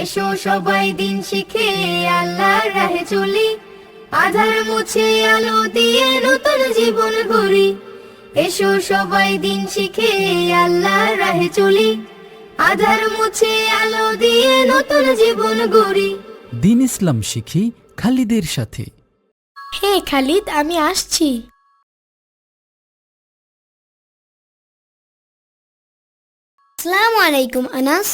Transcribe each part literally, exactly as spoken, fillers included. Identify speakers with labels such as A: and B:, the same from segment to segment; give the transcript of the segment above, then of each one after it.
A: এসো সবাই দিন শিখে আল্লাহর রাহে চলি, আধার মুছে আলো দিয়ে নতুন জীবন গড়ি। এসো সবাই দিন শিখে আল্লাহর রাহে চলি, আধার মুছে আলো দিয়ে নতুন জীবন গড়ি।
B: দিন ইসলাম শিখি খালিদের সাথে।
C: হে খালিদ, আমি আসছি।
D: আসসালামু আলাইকুম আনাস।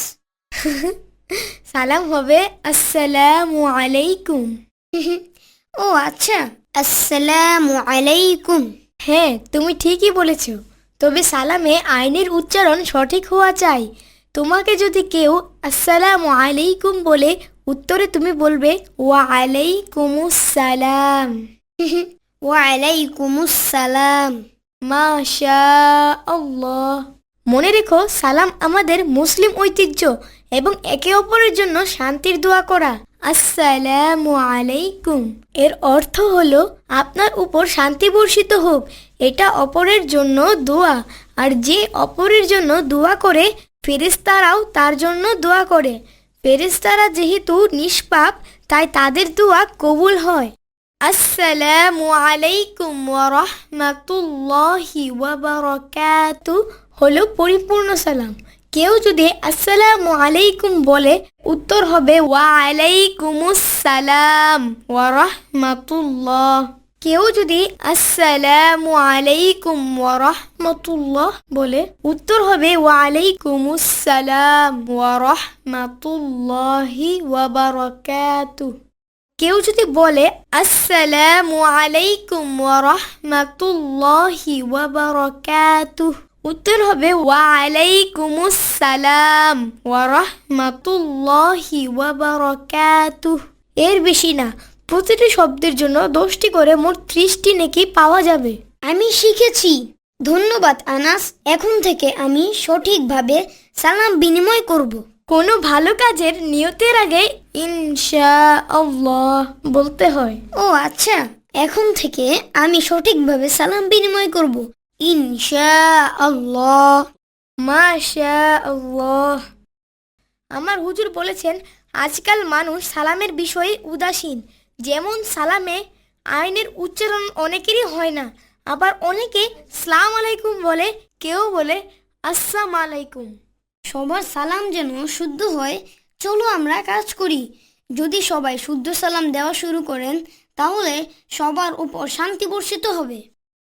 C: সালাম হবে আসসালামু আলাইকুম।
D: ও আচ্ছা, আসসালামু আলাইকুম।
C: হ্যাঁ, তুমি ঠিকই বলেছ, তবে সালামে আইনের উচ্চারণ সঠিক হওয়া চাই। তোমাকে যদি কেউ আসসালামু আলাইকুম বলে, উত্তরে তুমি বলবে ওয়া আলাইকুমুস সালাম।
D: ওয়া আলাইকুমুস সালাম।
C: মাশা আল্লাহ। মনে রেখো, সালাম আমাদের মুসলিম ঐতিহ্য এবং একে অপরের জন্য শান্তির দোয়া করা। আসসালামু আলাইকুম এর অর্থ হলো আপনার উপর শান্তি বর্ষিত হোক। এটা অপরের জন্য দোয়া, আর যে অপরের জন্য দোয়া করে ফেরেশতারাও তার জন্য দোয়া করে। ফেরেশতারা যেহেতু নিষ্পাপ, তাই তাদের দোয়া কবুল হয়। আসসালামু আলাইকুম ওয়া রাহমাতুল্লাহি ওয়া বারাকাতুহু হলো পরিপূর্ণ সালাম। কেউ যদি আসসালামু আলাইকুম বলে, উত্তর হবে ওয়া আলাইকুমুস সালাম ওয়া রাহমাতুল্লাহ। কেউ যদি আসসালামু আলাইকুম ওয়া রাহমাতুল্লাহ বলে, উত্তর হবে ওয়া আলাইকুমুস সালাম ওয়া রাহমাতুল্লাহি ওয়া বারাকাতুহু। কেউ যদি বলে আসসালামু আলাইকুম ওয়া রাহমাতুল্লাহি ওয়া বারাকাতুহু, উত্তর হবে ওয়া আলাইকুমুস সালাম ওয়া রাহমাতুল্লাহি ওয়া বারাকাতুহু। এর বেশি না, প্রতিটি শব্দের জন্য দশটি করে মোট ত্রিশটি নেকি পাওয়া যাবে।
D: আমি শিখেছি। ধন্যবাদ আনাস। এখন থেকে আমি সঠিকভাবে সালাম বিনিময় করব।
C: কোনো ভালো কাজের নিয়তের আগে ইনশাআল্লাহ বলতে হয়।
D: ও আচ্ছা, এখন থেকে আমি সঠিকভাবে সালাম বিনিময় করব। ইনশাআল্লাহ।
C: মাশাআল্লাহ। আমার হুজুর বলেছেন, আজকাল মানুষ সালামের বিষয়ে উদাসীন। যেমন সালামে আইনের উচ্চারণ অনেকেরই হয় না, আবার অনেকে সালাম আলাইকুম বলে, কেউ বলে আসসালামু আলাইকুম।
D: সবার সালাম যেন শুদ্ধ হয়, চলো আমরা কাজ করি। যদি সবাই শুদ্ধ সালাম দেওয়া শুরু করেন, তাহলে সবার উপর শান্তি বর্ষিত হবে।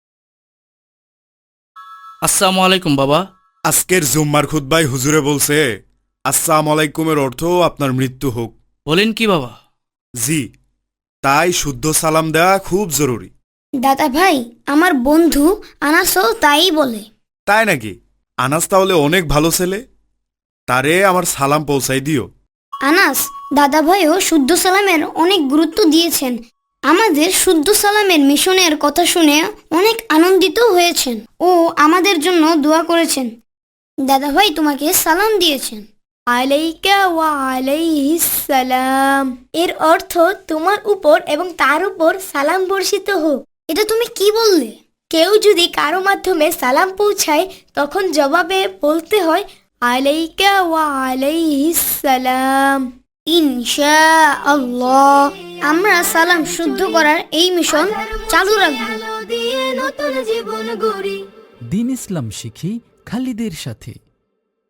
E: আসসালামু আলাইকুম বাবা।
F: আজকের জুম্মার খুতবায় হুজুরে বলছে আসসালামু আলাইকুমের অর্থ আপনার মৃত্যু হোক।
E: বলেন কি বাবা?
F: জি, তাই শুদ্ধ সালাম দেওয়া খুব জরুরি।
D: দাদা ভাই, আমার বন্ধু আনাসও তাই বলে।
F: তাই নাকি? আনাস তাহলে অনেক ভালো ছেলে, তারে আমার সালাম পৌঁছাই দিও।
D: আনাস দাদা ভাইও শুদ্ধ সালামের অনেক গুরুত্ব দিয়েছেন। আমাদের শুদ্ধ সালামের মিশনের কথা শুনে অনেক আনন্দিত হয়েছেন ও আমাদের জন্য দোয়া করেছেন। দাদা ভাই তোমাকে সালাম দিয়েছেন।
C: আলাইকা ওয়া আলাইহিস সালাম এর অর্থ তোমার উপর এবং তার উপর সালাম বর্ষিত হোক।
D: এটা তুমি কি বললে?
C: কেউ যদি কারো মাধ্যমে সালাম পৌঁছায়, তখন জবাবে বলতে হয় আলাইকা ওয়া আলাইহিস সালাম।
D: ইনশাআল্লাহ আমরা সালাম শুদ্ধ করার এই মিশন চালু রাখব।
A: আলো দিয়ে নতুন জীবন গড়ি।
B: দিন ইসলাম শিখি খালিদের সাথে।